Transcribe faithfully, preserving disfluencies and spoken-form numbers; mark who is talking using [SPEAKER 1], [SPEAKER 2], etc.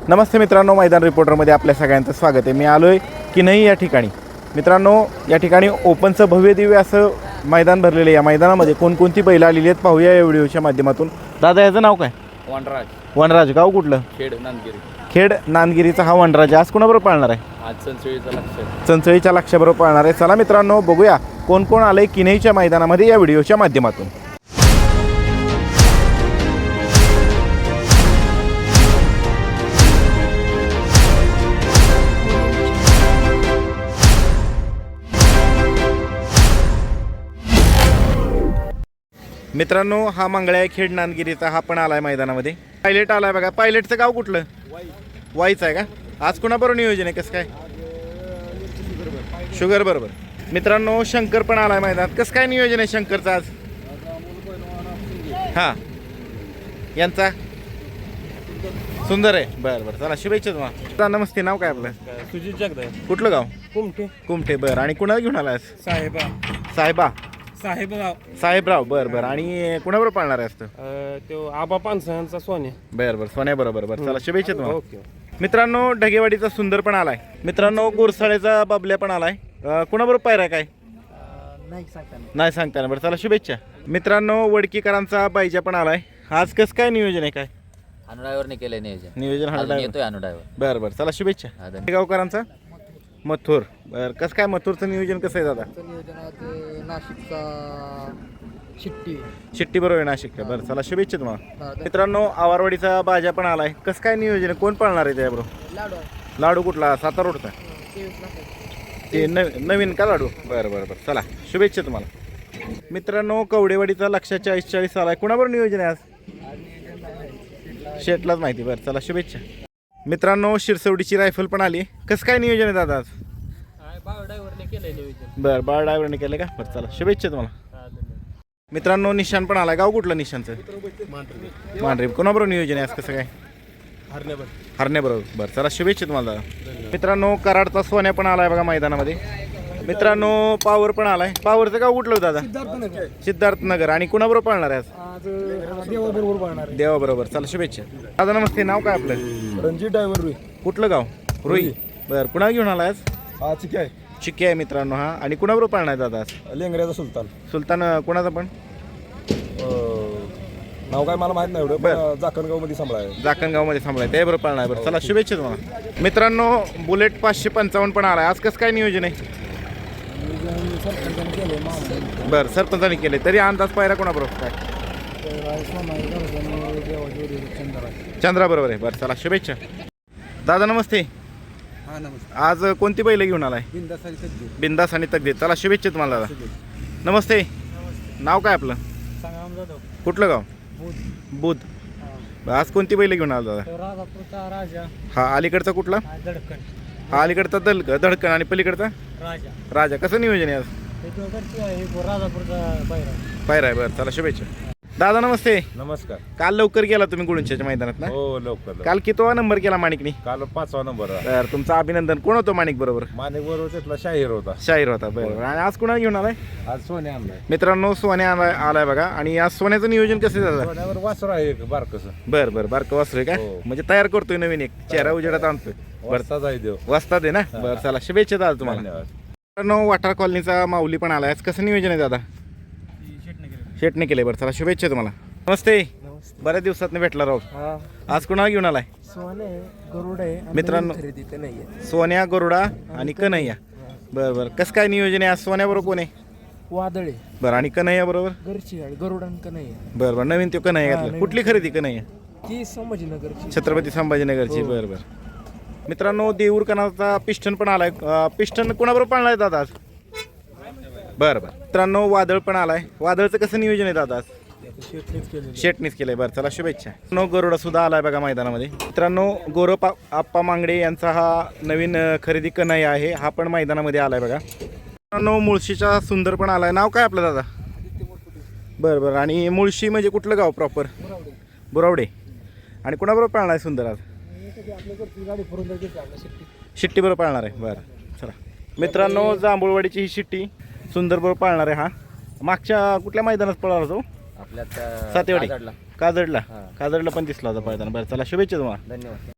[SPEAKER 1] नमस्ते मित्रांनो, मैदान रिपोर्टरमध्ये आपल्या सगळ्यांचं स्वागत आहे। मी आलो आहे किनई या ठिकाणी। मित्रांनो, या ठिकाणी ओपनचं भव्य दिव्य असं मैदान भरलेलं आहे। या मैदानामध्ये कोणकोणती बैलं आलेली आहेत पाहूया या व्हिडिओच्या माध्यमातून। दादा, याचं नाव काय?
[SPEAKER 2] वनराज।
[SPEAKER 1] वनराज, गाव कुठलं?
[SPEAKER 2] खेड नांदगिरी।
[SPEAKER 1] खेड नांदगिरीचा हा वनराज आज कोणाबरोबर पाळणार आहे?
[SPEAKER 2] आज चंचळीचा लक्ष
[SPEAKER 1] चंचळीच्या लक्षाबरोबर पाळणार आहे। चला मित्रांनो, बघूया कोण कोण आलंय किनईच्या मैदानामध्ये या व्हिडिओच्या माध्यमातून। मित्रांनो, हा मंगळ्या आहे खेड नांदगिरीचा, हा पण आलाय मैदानामध्ये। पायलट आलाय बघा। पायलटचं गाव कुठलं? वाईच आहे का? आज कोणाबरोबर नियोजन आहे, कसं काय? शुगर बरोबर। मित्रांनो, शंकर पण आलाय मैदानात। कसं काय नियोजन आहे शंकरचं आज? हां, यांचा सुंदर आहे। बरं बरं, चला शुभेच्छा तुम्हाला। नमस्ते, नाव काय आपलं?
[SPEAKER 3] सुजित जगदाय।
[SPEAKER 1] कुठलं गाव?
[SPEAKER 3] कुमठे।
[SPEAKER 1] कुमठे, बरं। आणि कुणाला घेऊन आलाय?
[SPEAKER 3] साहेबा
[SPEAKER 1] साहेबा
[SPEAKER 3] साहेबराव
[SPEAKER 1] साहेबराव, बरं बरं। आणि कुणाबरोबर पाळणार आहे असतं?
[SPEAKER 3] अं, तो आबा पानसह्यांचा सोन्या।
[SPEAKER 1] बरं बरं, सोन्या बरोबर। बरं, चला शुभेच्छा तुम्हाला।
[SPEAKER 3] ओके।
[SPEAKER 1] मित्रांनो, ढगेवाडीचा सुंदर पण आलाय। मित्रांनो, गोरसाळेचा बाबल्या पण आलाय। अं, कुणाबरोबर पायरा काय?
[SPEAKER 3] नाही सांगता
[SPEAKER 1] नाही सांगता ना। बरं, चला शुभेच्छा। मित्रांनो, वडकीकरांचा बायजा पण आलाय। आज कसं काय नियोजन आहे, काय
[SPEAKER 4] अनुड्रायव्हरने केलंय नियोजन
[SPEAKER 1] नियोजन? हा
[SPEAKER 4] अजून
[SPEAKER 1] ड्रायव्हर,
[SPEAKER 4] येतोय अनुड्रायव्हर
[SPEAKER 1] बरं बरं, चला शुभेच्छा।
[SPEAKER 4] हा, धन्यवाद.
[SPEAKER 1] गावकरांचा मथुर, बरं। कसं काय मथुरचं नियोजन कसं आहे दादा?
[SPEAKER 5] नियोजनात नाशिकचा शिट्टी
[SPEAKER 1] शिट्टी बरोबर आहे नाशिक का? बरं, चला शुभेच्छा तुम्हाला। मित्रांनो, आवारवाडीचा बाजा पण आलाय। कसं काय नियोजन आहे, कोण पाळणार आहे त्याबरोबर?
[SPEAKER 5] लाडू
[SPEAKER 1] लाडू कुठला? सातारा रोडचा
[SPEAKER 5] तेवीस लाख
[SPEAKER 1] ते नवीन नवीन का लाडू? बरं बरं बरं, चला शुभेच्छा तुम्हाला। मित्रांनो, कवडेवाडीचा लक्ष चाळीस चाळीस आलाय। कुणाबरोबर नियोजन आहे आज? शेटलाच माहिती। बरं, चला शुभेच्छा। मित्रांनो, शिरसवडीची रायफल पण आली। कसं काय नियोजन आहे दादा आज?
[SPEAKER 3] बाबा ड्रायव्हरने केलंय नियोजन।
[SPEAKER 1] बरं, बाळ ड्रायव्हरने केलं का? बरं, चला शुभेच्छा तुम्हाला। मित्रांनो, निशान पण आलाय। गाव कुठलं निशानचं? मांढरी। कोणाबरोबर नियोजन आहे आज, कसं काय? हरण्याबरोबर। बरं, चला शुभेच्छा तुम्हाला दादा। मित्रांनो, कराडचा सोन्या पण आलाय बघा मैदानामध्ये। मित्रांनो, पावर पण आलाय। पावरचं गाव कुठलं दादा? सिद्धार्थ नगर। आणि कुणाबरोबर पाळणार आहे आज?
[SPEAKER 5] देवाबरोबर पाळणार
[SPEAKER 1] देवाबरोबर। चला शुभेच्छा दादा। नमस्ते, नाव काय आपलं?
[SPEAKER 5] रणजित ड्रायव्हर रुई
[SPEAKER 1] कुठलं गाव? रुई, बरं। कुणा घेऊन आलाय आज?
[SPEAKER 5] हा चिकी आहे
[SPEAKER 1] चिक्की आहे मित्रांनो हा। आणि कुणाबरोबर पाळणार दादा आज?
[SPEAKER 5] लेंगऱ्याचा सुलतान
[SPEAKER 1] सुलतान कोणाचा पण?
[SPEAKER 5] नाव काय मला माहित नाही एवढं, पण जाकणगाव मध्ये सांभाळ
[SPEAKER 1] जाकणगावमध्ये थांबलाय, त्याबरोबर पाळणार। बरं, चला शुभेच्छा तुम्हाला। मित्रांनो, बुलेट पाचशे पंचावन्न पण आलाय। आज कसं काय नियोजन आहे? बरं, सरपंचाने केले। तरी अंदाज पायरा कोणाबरोबर काय? चंद्रा बरोबर आहे। बरं, चला शुभेच्छा दादा। नमस्ते।
[SPEAKER 5] हा नमस्ते।
[SPEAKER 1] आज कोणती बैल घेऊन आलाय? बिंदास आणि तकदीर। चला शुभेच्छा तुम्हाला दादा। नमस्ते, नाव काय आपलं? कुठलं गाव? बुध। आज कोणती बैल घेऊन आला दादा?
[SPEAKER 5] राजापूरचा राजा।
[SPEAKER 1] हा अलीकडचा कुठला?
[SPEAKER 5] दडकण।
[SPEAKER 1] हा अलीकडचा दल धडकण। आणि पलीकडचा
[SPEAKER 5] राजा।
[SPEAKER 1] राजा। कसं नियोजन आहे आज?
[SPEAKER 5] राजापूरचा पायरा
[SPEAKER 1] पायरा आहे। बरं, चला शुभेच्छा दादा। नमस्ते।
[SPEAKER 6] नमस्कार।
[SPEAKER 1] काल लवकर गेला तुम्ही गुळूंच्याच्या मैदानात ना?
[SPEAKER 6] हो, लवकर
[SPEAKER 1] काल कितवा नंबर केला माणिकनी?
[SPEAKER 6] काल पाचवा नंबर
[SPEAKER 1] तर तुमचं अभिनंदन। कोण होतो माणिक बरोबर?
[SPEAKER 6] माणिक बरोबर त्यातला शाहीर होता।
[SPEAKER 1] शाहीर होता, बरोबर। आणि आज कुणाला घेऊन आलाय?
[SPEAKER 6] आज सोन्या आणलाय।
[SPEAKER 1] मित्रांनो, सोन्या आलाय आलाय बघा। आणि आज सोन्याचं नियोजन कसं झालं?
[SPEAKER 6] सोन्यावर वासर आहे एक बारकस।
[SPEAKER 1] बरं बरं, बारकं वासरू का?
[SPEAKER 6] हो.
[SPEAKER 1] म्हणजे तयार करतोय नवीन एक, चेहरा उजेडात आणतोय।
[SPEAKER 6] वरचा जाई देव।
[SPEAKER 1] वाजता दे ना। बरं, चला शुभेच्छा दादा तुम्हाला।
[SPEAKER 6] धन्यवाद।
[SPEAKER 1] मित्रांनो, वाटार कॉलनीचा माऊली पण आलाय। आज कसं नियोजन आहे दादा? शेटने केले। बरं, चला शुभेच्छा तुम्हाला। नमस्ते, बऱ्याच दिवसात भेटला राव। आज कुणाला घेऊन आलाय?
[SPEAKER 5] सोने गरुड आहे
[SPEAKER 1] मित्रांनो,
[SPEAKER 5] खरेदी तर नाहीये।
[SPEAKER 1] सोन्या, गरुडा आणि कन्हैया। बरं बरं, कसं काय नियोजन आहे आज? सोन्या बरोबर कोण आहे?
[SPEAKER 5] वादळे
[SPEAKER 1] बरं। आणि कन्हैया बरोबर?
[SPEAKER 5] घरची गाडी गरुडान का नाही
[SPEAKER 1] बरं बरं, नवीन तो कन्हैया
[SPEAKER 5] हा,
[SPEAKER 1] घातला।
[SPEAKER 5] नवीन.
[SPEAKER 1] कुठली खरेदी कन्हैया?
[SPEAKER 5] ती संभाजीनगरची
[SPEAKER 1] छत्रपती संभाजीनगरची।
[SPEAKER 5] हो.
[SPEAKER 1] बरं बरं। मित्रांनो, देऊर कनाचा पिस्टन पण आलाय। अं, पिस्टन कोणाबरोबर पाळणार दादा आज? बरं बरं। मित्रांनो, वादळ पण आलाय। वादळचं कसं नियोजन आहे दादा आज? शेटनीच केलंय। बरं, चला शुभेच्छा। नो गरुडा सुद्धा आलाय बघा मैदानामध्ये। मित्रांनो, गौरव आप्पा मांगडे यांचा हा नवीन अं, खरेदी कन्हैया आहे, हा पण मैदानामध्ये आलाय बघा। मित्रांनो, मुळशीचा सुंदर पण आलाय। नाव काय आपलं दादा? बरं बरं। आणि मुळशी म्हणजे कुठलं गाव प्रॉपर? बुरावडे। आणि कुणाबरोबर पाळणार आहे सुंदर आज? शिट्टी बरोबर पाळणार आहे। बरं, चला मित्रांनो, जांभूळवाडीची ही शिट्टी सुंदर बरोबर पाळणार आहे। हा मागच्या कुठल्या मैदानात पळाला तो?
[SPEAKER 4] आपल्या
[SPEAKER 1] सातेवाडी
[SPEAKER 4] काजडला.
[SPEAKER 1] काजडला
[SPEAKER 4] हां.
[SPEAKER 1] काजडला पण दिसला होता पायताना। बरं, चला शुभेच्छा तुम्हाला।
[SPEAKER 4] धन्यवाद.